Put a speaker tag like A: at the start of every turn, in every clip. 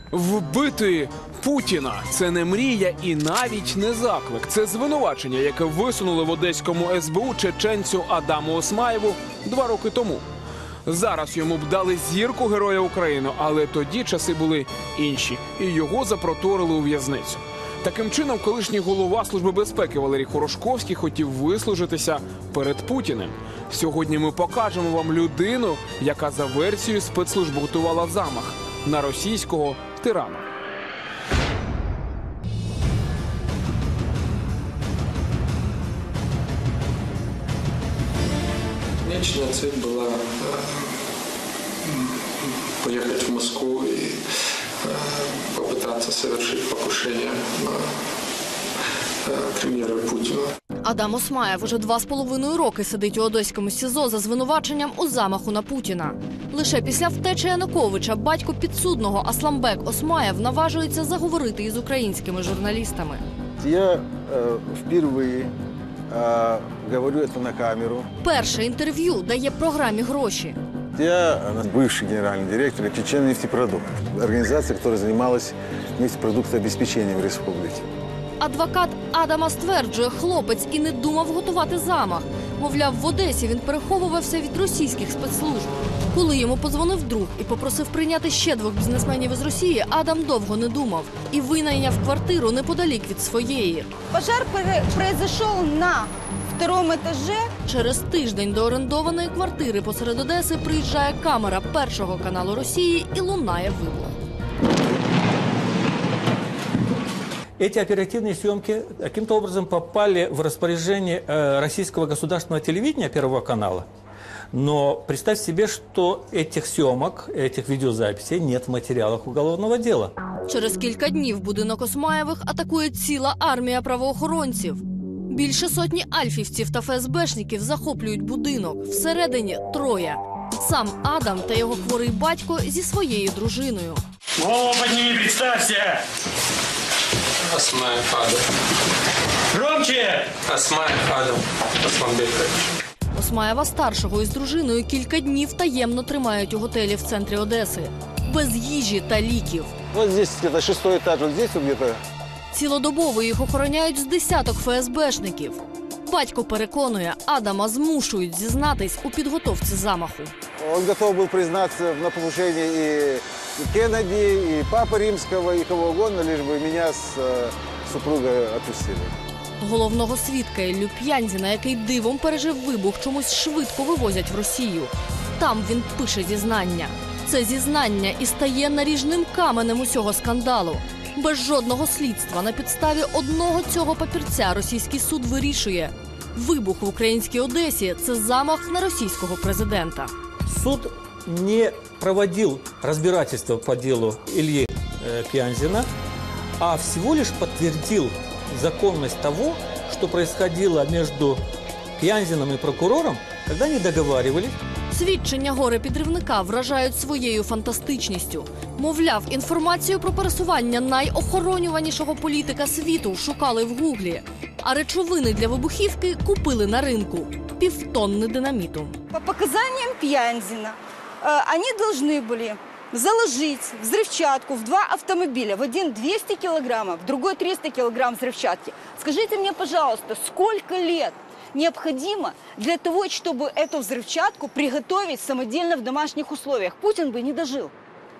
A: Вбити Путіна – це не мрія і навіть не заклик. Це звинувачення, яке висунули в одеському СБУ чеченцю Адаму Осмаєву 2 роки тому. Зараз йому б дали зірку Героя України, але тоді часи були інші, і його запроторили у в'язницю. Таким чином, колишній голова Служби безпеки Валерій Хорошковський хотів вислужитися перед Путіним. Сьогодні ми покажемо вам людину, яка за версією спецслужб готувала замах на російського тирана.
B: Конечная цель была поехать в Москву и попытаться совершить покушение на премьера Путина.
C: Адам Осмаєв уже 2,5 роки сидить у одеському СІЗО за звинуваченням у замаху на Путіна. Лише після втечі Януковича батько підсудного Асламбек Осмаєв наважується заговорити із українськими журналістами.
D: Я вперше говорю це на камеру.
C: Перше інтерв'ю дає програмі «Гроші».
D: Я бывший генеральный директор Чечен-нефтепродукт, организация, которая занималась нефтепродуктообеспечением республики.
C: Адвокат Адама стверджує, хлопець і не думав готувати замах. Мовляв, в Одесі він переховувався від російських спецслужб. Коли йому подзвонив друг і попросив прийняти ще 2 бізнесменів із Росії, Адам довго не думав і винайняв квартиру неподалік від своєї.
E: Пожар произошел на 2-му етажі.
C: Через тиждень до орендованої квартири посеред Одеси приїжджає камера Першого каналу Росії і лунає вибух.
F: Эти оперативные съемки каким-то образом попали в распоряжение российского государственного телевидения Первого канала. Но представь себе, что этих съемок, этих видеозаписей нет в материалах уголовного дела.
C: Через кілька днів будинок Осмаєвих атакує ціла армія правоохоронців. Більше сотні альфівців та ФСБшників захоплюють будинок. Всередині 3. Сам Адам та його хворий батько зі своєю дружиною.
G: Голову підніми, представся!
B: Осмаев Адам.
G: Громче!
B: Осмаев Адам Асламбекович.
C: Осмаєва-старшого із дружиною кілька днів таємно тримають у готелі в центрі Одеси. Без їжі та ліків.
D: Вот здесь где-то 6-й этаж, вот здесь где-то.
C: Цілодобово їх охороняють з десяток ФСБшників. Батько переконує, Адама змушують зізнатись у підготовці замаху.
D: Он готов был признаться в нападении и Кеннеди, и Папы Римского, и кого угодно, лишь бы меня с супругой отпустили.
C: Головного свідка Іллю П'янзіна, який дивом пережив вибух, чомусь швидко вивозять в Росію. Там він пише зізнання. Це зізнання і стає наріжним каменем усього скандалу. Без жодного слідства на підставі одного цього папірця російський суд вирішує – вибух в українській Одесі – це замах на російського президента.
F: Суд не проводил разбирательство по делу Ильи Пьянзина, а всего лишь подтвердил законность того, что происходило между Пьянзиным и прокурором, когда они договаривались.
C: Свідчення горе-підривника вражають своєю фантастичністю. Мовляв, інформацію про пересування найохоронюванішого політика світу шукали в Гуглі, а речовини для вибухівки купили на ринку – півтонни динаміту.
E: По показаниям Пьянзина, они должны были заложить взрывчатку в 2 автомобиля. В один 200 килограммов, в другой 300 килограмм взрывчатки. Скажите мне, пожалуйста, сколько лет необходимо для того, чтобы эту взрывчатку приготовить самодельно в домашних условиях? Путин бы не дожил.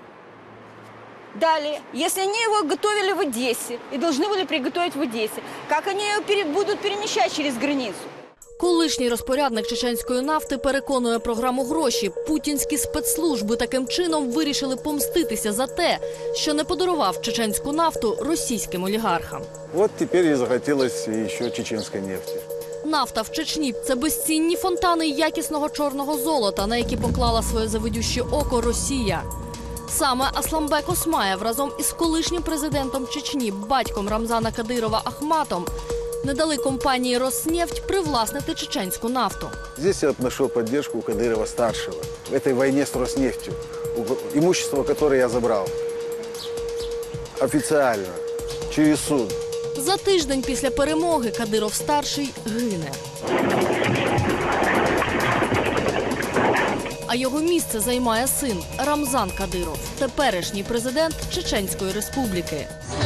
E: Далее, если они его готовили в Одессе и должны были приготовить в Одессе, как они ее будут перемещать через границу?
C: Колишній розпорядник чеченської нафти переконує програму «Гроші». Путінські спецслужби таким чином вирішили помститися за те, що не подарував чеченську нафту російським олігархам.
D: Вот теперь и захотелось еще чеченской нефти.
C: Нафта в Чечні – це безцінні фонтани якісного чорного золота, на які поклала своє завидюще око Росія. Саме Асламбек Осмаєв разом із колишнім президентом Чечні, батьком Рамзана Кадирова Ахматом, не дали компанії «Роснефть» привласнити чеченську нафту.
D: Здесь я нашел поддержку у Кадырова-старшего в этой войне с Роснефтью, имущество, которое я забрал. Официально, через суд.
C: За тиждень після перемоги Кадиров-старший гине. А його місце займає син Рамзан Кадиров, теперішній президент Чеченської Республіки.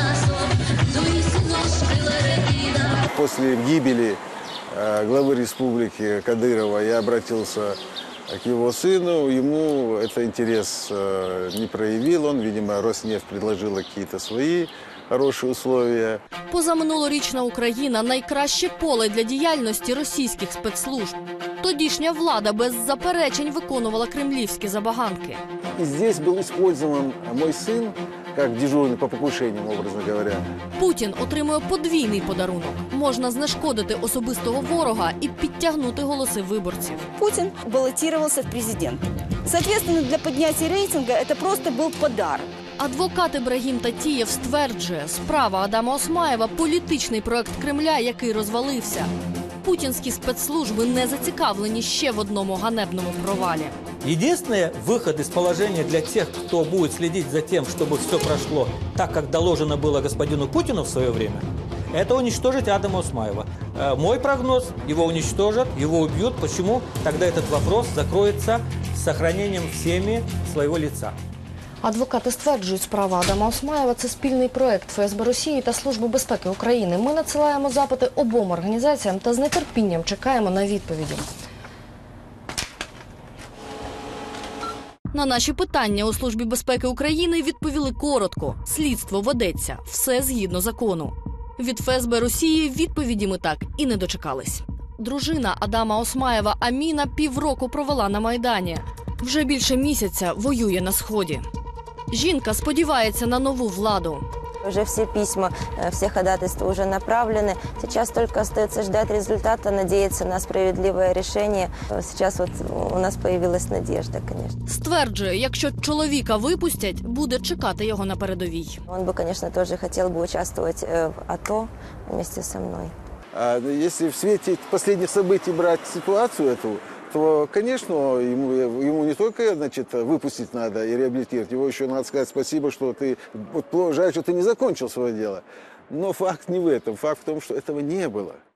D: После гибели главы республики Кадырова я обратился к его сыну. Ему это интерес не проявил. Он, видимо, Роснефть предложила какие-то свои хорошие условия.
C: Позаминулорічна Україна – найкраще поле для діяльності російських спецслужб. Тодішня влада без заперечень виконувала кремлівські забаганки.
D: И здесь был использован мой сын как дежурный по покушениям, образно говоря.
C: Путін отримує подвійний подарунок. Можна знешкодити особистого ворога і підтягнути голоси виборців.
E: Путин баллотировался в президенты. Соответственно, для поднятия рейтинга это просто был подарок.
C: Адвокат Ібрагім Татієв стверджує, справа Адама Осмаєва – політичний проект Кремля, який розвалився. Путінські спецслужби не зацікавлені ще в одному ганебному провалі.
F: Единственный выход из положения для тех, кто будет следить за тем, чтобы все прошло так, как доложено было господину Путину в свое время, это уничтожить Адама Осмаева. Мой прогноз – его уничтожат, его убьют. Почему? Тогда этот вопрос закроется с сохранением всеми своего лица.
C: Адвокати стверджують, справа Адама Осмаєва – це спільний проект ФСБ Росії та Служби безпеки України. Ми надсилаємо запити обом організаціям та з нетерпінням чекаємо на відповіді. На наші питання у Службі безпеки України відповіли коротко. Слідство ведеться. Все згідно закону. Від ФСБ Росії відповіді ми так і не дочекались. Дружина Адама Осмаєва Аміна півроку провела на Майдані. Вже більше місяця воює на Сході. Жінка сподівається на нову владу.
H: Уже все письма, все ходатайства уже направлены. Сейчас только остается ждать результата, надеяться на справедливое решение. Сейчас вот у нас появилась надежда, конечно.
C: Стверджує, якщо чоловіка випустять, буде чекати його на передовій.
H: Он бы, конечно, тоже хотел бы участвовать в АТО вместе со мной.
D: А если в свете последних событий брать ситуацию эту, то, конечно, ему не только, значит, выпустить надо и реабилитировать, его еще надо сказать спасибо, что ты, вот жаль, что ты не закончил свое дело. Но факт не в этом, факт в том, что этого не было.